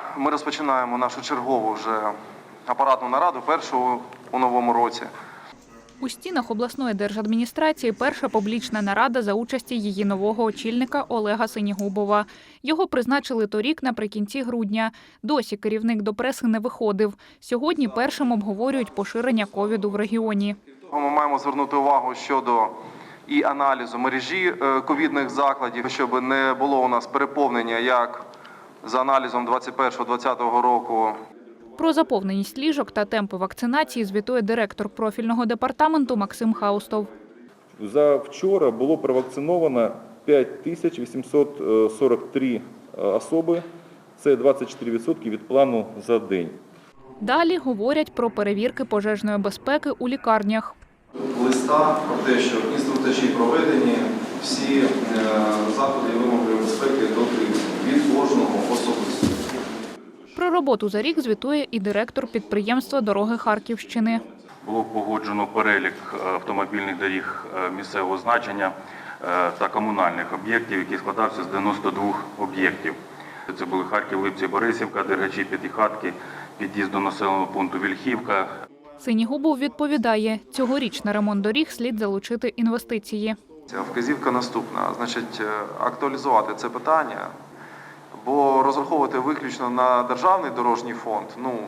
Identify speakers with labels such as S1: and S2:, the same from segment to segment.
S1: ми розпочинаємо нашу чергову вже апаратну нараду, першу у новому році.
S2: У стінах обласної держадміністрації перша публічна нарада за участі її нового очільника Олега Синігубова. Його призначили торік наприкінці грудня. Досі керівник до преси не виходив. Сьогодні першим обговорюють поширення ковіду в регіоні.
S1: Ми маємо звернути увагу щодо і аналізу мережі ковідних закладів, щоб не було у нас переповнення, як за аналізом 2021-2020 року.
S2: Про заповненість ліжок та темпи вакцинації звітує директор профільного департаменту Максим Хаустов.
S3: За вчора було провакциновано 5843 особи. Це 24% від плану за день.
S2: Далі говорять про перевірки пожежної безпеки у лікарнях.
S1: Листа про те, що інструктажі проведені, всі заходи і вимоги безпеки дотримані від кожного особисто.
S2: Про роботу за рік звітує і директор підприємства «Дороги Харківщини».
S4: Було погоджено перелік автомобільних доріг місцевого значення та комунальних об'єктів, який складався з 92 об'єктів. Це були Харків, Липці, Борисівка, Дергачі, П'ятихатки, під'їзд до населеного пункту Вільхівка.
S2: Синігубов відповідає, цьогоріч на ремонт доріг слід залучити інвестиції.
S1: Вказівка наступна, значить, актуалізувати це питання, бо розраховувати виключно на державний дорожній фонд,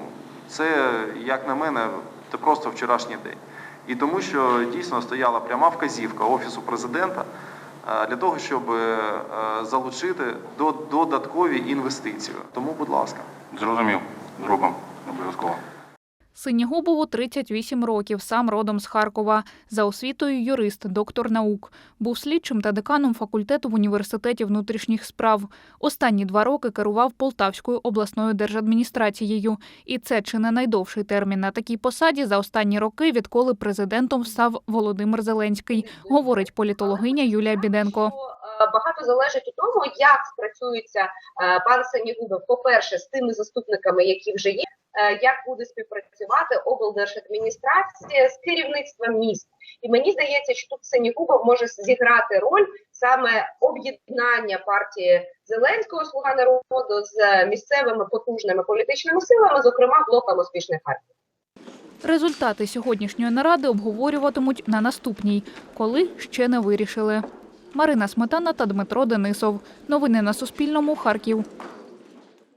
S1: це, як на мене, це просто вчорашній день. І тому, що дійсно стояла пряма вказівка Офісу Президента для того, щоб залучити додаткові інвестиції. Тому, будь ласка.
S4: Зрозумів, зробимо обов'язково.
S2: Синігубову 38 років, сам родом з Харкова. За освітою юрист, доктор наук. Був слідчим та деканом факультету в університеті внутрішніх справ. Останні 2 роки керував Полтавською обласною держадміністрацією. І це чи не найдовший термін на такій посаді за останні роки, відколи президентом став Володимир Зеленський, говорить політологиня Юлія Біденко.
S5: Багато залежить від того, як спрацюється пан Синігубов, по-перше, з тими заступниками, які вже є, як буде співпрацювати облдержадміністрація з керівництвом міст. І мені здається, що тут Синігубов може зіграти роль саме об'єднання партії Зеленського «Слуга народу» з місцевими потужними політичними силами, зокрема блоком успішних Харків.
S2: Результати сьогоднішньої наради обговорюватимуть на наступній, коли ще не вирішили. Марина Сметана та Дмитро Денисов. Новини на Суспільному. Харків.